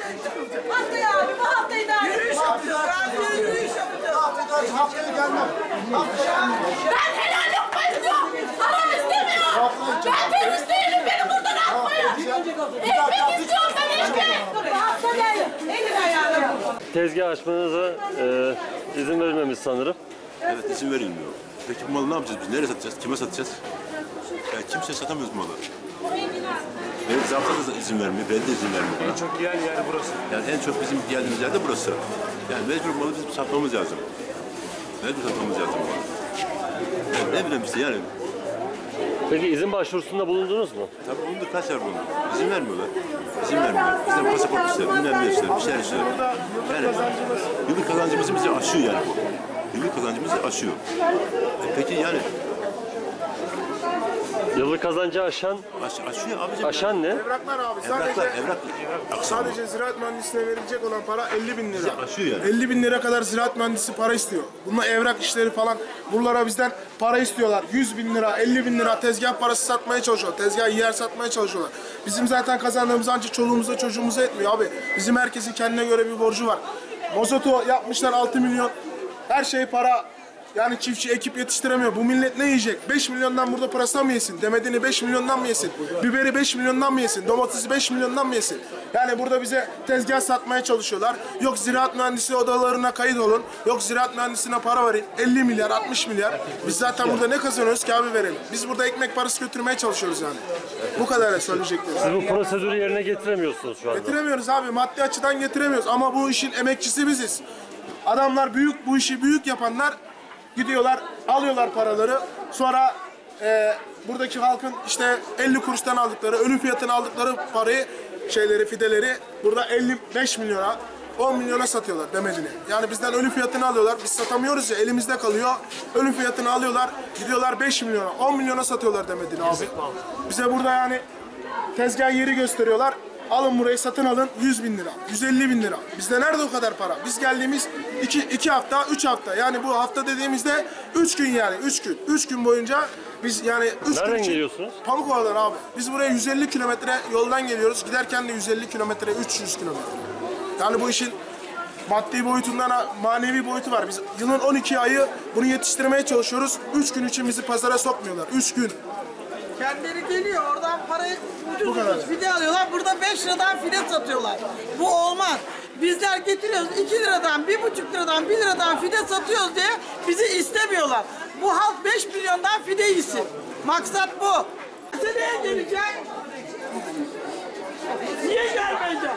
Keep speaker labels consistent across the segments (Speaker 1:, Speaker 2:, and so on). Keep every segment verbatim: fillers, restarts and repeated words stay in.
Speaker 1: Haftaya abi, bu hafta idare yürüyüş yapacağız. Ben yürüyüş yapacağız.
Speaker 2: Haftaya, haftaya gelmem. Haftaya.
Speaker 1: Ben helal yapma istiyorum. Haram istemiyorum. Ben terörist değilim. Beni buradan atmayın. Ekmek istiyorum ben ekmek. Hafta değil. Elin ayağına.
Speaker 3: Tezgah açmanıza e, izin verilmemiş sanırım.
Speaker 4: Evet, izin verilmiyor. Peki bu malı ne yapacağız biz? Nereye satacağız? Kime satacağız? Yani kimse satamıyoruz malı. Benim zabıta da izin vermiyor, ben de izin vermiyor bana.
Speaker 5: En çok yiyen yer burası.
Speaker 4: Yani en çok bizim geldiğimiz yer de burası. Yani mecbur malı bizim satmamız lazım. Mecbur satmamız lazım malı. Yani ne bileyim işte yani.
Speaker 3: Peki izin başvurusunda bulundunuz mu?
Speaker 4: Tabii bulunduk, kaç yer bulunduk. İzin vermiyorlar. İzin vermiyorlar. Bizden pasaport ister, bilmem ne ister, bir şeyler ister. Yani yıllık kazancımızı bize aşıyor yani bu. Yıllık kazancımızı aşıyor. E peki yani
Speaker 3: Yıllık kazancı aşan,
Speaker 4: aş, aşıyor abicim.
Speaker 3: aşan
Speaker 4: yani.
Speaker 3: ne?
Speaker 5: Evraklar abi.
Speaker 4: Evraklar,
Speaker 5: Sadece,
Speaker 4: evrak. Aksamı.
Speaker 5: sadece ziraat mühendisine verilecek olan para elli bin lira.
Speaker 4: Aşıyor yani.
Speaker 5: elli bin lira kadar ziraat mühendisi para istiyor. Bunlar evrak işleri falan. Buralara bizden para istiyorlar. yüz bin lira, elli bin lira tezgah parası satmaya çalışıyor. Tezgah yer satmaya çalışıyorlar. Bizim zaten kazandığımız ancak çoluğumuza çocuğumuza etmiyor abi. Bizim herkesin kendine göre bir borcu var. Mozoto yapmışlar altı milyon. Her şey para. Yani çiftçi ekip yetiştiremiyor. Bu millet ne yiyecek? beş milyondan burada pırasa mı yesin? Demediğini beş milyondan mı yesin? Biberi beş milyondan mı yesin? Domatesi beş milyondan mı yesin? Yani burada bize tezgah satmaya çalışıyorlar. Yok ziraat mühendisi odalarına kayıt olun. Yok ziraat mühendisine para verin. elli milyar, altmış milyar. Biz zaten burada ne kazanıyoruz ki abi verelim? Biz burada ekmek parası götürmeye çalışıyoruz yani. Bu kadar söyleyeceklerim.
Speaker 3: Siz bu prosedürü yerine getiremiyorsunuz şu anda.
Speaker 5: Getiremiyoruz abi. Maddi açıdan getiremiyoruz. Ama bu işin emekçisi biziz. Adamlar büyük, bu işi büyük yapanlar gidiyorlar, alıyorlar paraları. Sonra e, buradaki halkın işte elli kuruştan aldıkları, ölü fiyatına aldıkları parayı, şeyleri, fideleri burada elli beş milyona, on milyona satıyorlar demedini. Yani bizden ölü fiyatını alıyorlar. Biz satamıyoruz ya, elimizde kalıyor. Ölü fiyatını alıyorlar, gidiyorlar beş milyona, on milyona satıyorlar demedini abi. Bize burada yani tezgah yeri gösteriyorlar. Alın burayı satın alın yüz bin lira, yüz elli bin lira. Bizde nerede o kadar para? Biz geldiğimiz iki, iki hafta, üç hafta. Yani bu hafta dediğimizde üç gün yani, üç gün. Üç gün boyunca biz yani üç gün
Speaker 3: Nereden
Speaker 5: için-
Speaker 3: geliyorsunuz?
Speaker 5: Pamukova'dan abi. Biz buraya yüz elli kilometre yoldan geliyoruz. Giderken de yüz elli kilometre, üç yüz kilometre. Yani bu işin maddi boyutundan manevi boyutu var. Biz yılın on iki ayı bunu yetiştirmeye çalışıyoruz. Üç gün için bizi pazara sokmuyorlar. Üç gün.
Speaker 1: Kendileri geliyor oradan parayı ucuz
Speaker 5: Bu kadar.
Speaker 1: ucuz fide alıyorlar. Burada beş liradan fide satıyorlar. Bu olmaz. Bizler getiriyoruz iki liradan, bir buçuk liradan, bir liradan fide satıyoruz diye bizi istemiyorlar. Bu halk beş milyondan fide yesin. Maksat bu. Seneye geleceğim. Niye gelmeyeceğim?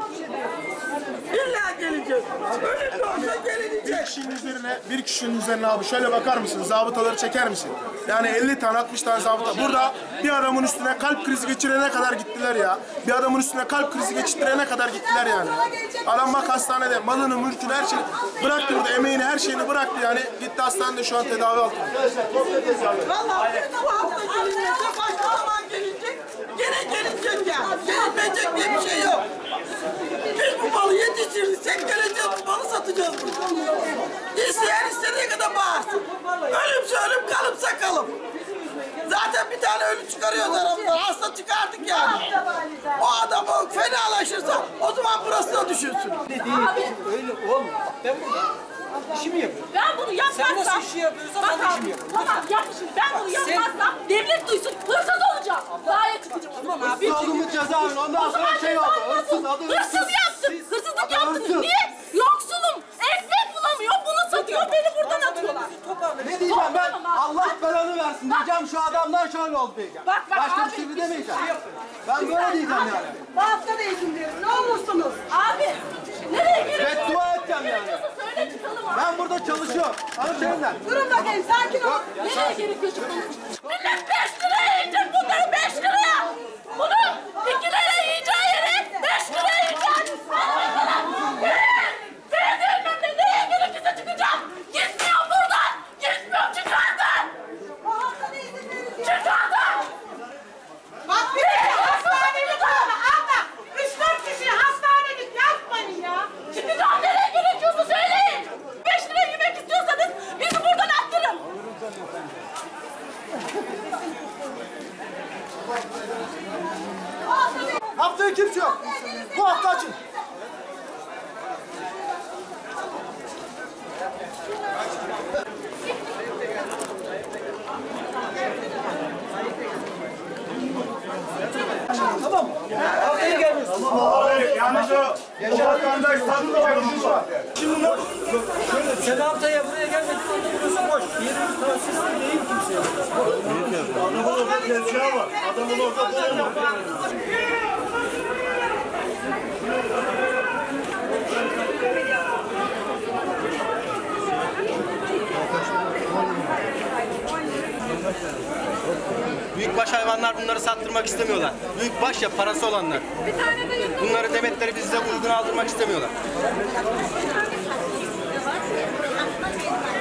Speaker 1: İlla geleceğiz. Ölüm de olsa
Speaker 5: Bir
Speaker 1: gelinecek.
Speaker 5: kişinin üzerine, bir kişinin üzerine abi şöyle bakar mısın? Zabıtaları çeker misin? Yani elli tane, altmış tane zabıta. Burada bir adamın üstüne kalp krizi geçirene kadar gittiler ya. Bir adamın üstüne kalp krizi geçirene kadar gittiler yani. Adam bak hastanede malını, mülkünü, her şeyi bıraktı burada. Emeğini, her şeyini bıraktı yani. Gitti hastanede şu an tedavi altında.
Speaker 1: Vallahi bir bu hafta gelinecek, başka zaman gelecek. Gene gelecek ya. Gelinmeyecek diye bir şey yok. Biz bu malı yetiştirirsek geleceğiz, bu malı satacağız burada. İsteyen istediği kadar bağırsın. Ölümse ölüm, kalımsa kalım. Zaten bir tane ölü çıkarıyoruz aramızdan. Hasta çıkardık yani. O adamı fenalaşırsa o zaman burası da düşünsün.
Speaker 6: Abi. Öyle olmuyor. Ben burada işimi yapıyorum.
Speaker 1: Ben bunu yapmazsam...
Speaker 6: Sen nasıl işi yapıyorsan ben de
Speaker 1: Bak
Speaker 6: işimi
Speaker 1: abi,
Speaker 6: yapıyorum.
Speaker 1: tamam yapmışım. Ben bunu yapmazsam devlet duysun, hırsız olacağım. Dağa çıkacağım. Tamam abi.
Speaker 6: Hırsızlığımın cezaevine ondan sonra şey oldu. Hırsız adı hırsız.
Speaker 1: Hırsız yaptım.
Speaker 6: Siz-
Speaker 1: Hırsızlık
Speaker 6: adı
Speaker 1: yaptınız.
Speaker 6: hırsız.
Speaker 1: Niye? Yoksulum. Ekmek bulamıyor. Bunu satıyor. Beni buradan atıyorlar.
Speaker 6: Ne diyeceğim ben?
Speaker 1: Toplamam abi.
Speaker 6: Allah belanı versin diyeceğim. Şu adamdan şöyle oldu diyeceğim.
Speaker 1: Bak, bak
Speaker 6: Başka
Speaker 1: abi,
Speaker 6: bir şey
Speaker 1: bir
Speaker 6: demeyeceğim.
Speaker 1: şey
Speaker 6: Ben böyle diyeceğim yani.
Speaker 1: Bu hafta da izin diyoruz. Ne olursunuz? Abi. Nereye giriyorsun?
Speaker 6: Beddua edeceğim yani.
Speaker 1: Söyle çıkalım abi.
Speaker 6: Ben burada çalışıyorum. Hanımefendiler.
Speaker 1: Durun bakayım. Sakin ol. Nereye gerekiyor çıkalım? Millet beş liraya yiyecek bunları. Beş liraya. Bunu iki liraya yiyeceği yere beş liraya yiyecek. Beğenilmem de nereye gerekirse çıkacağım. Gitmiyorum buradan. Gitmiyorum. Çıkardın. Çıkardın. Bak bir de hastanelik olma. Abla. Üç dört kişi hastanelik yapmayın ya. Çıkacağım. Nereye gerekiyorsa söyleyin. Beş liraya yemek istiyorsanız bizi buradan attırın.
Speaker 2: Haftaya kimse yok. Bu hafta açın.
Speaker 5: Yalnız o vatandaş satılacak iş var. Şimdi ne?
Speaker 6: Sen haftaya buraya gelmedik, orada burası boş. Yerimiz tahsisli değil kimseye.
Speaker 5: Adamın orada tezgahı var. Adamın orada boyu var.
Speaker 7: Büyükbaş hayvanlar bunları sattırmak istemiyorlar. Büyükbaş ya parası olanlar. Bunları demetleri bizde uygun aldırmak istemiyorlar.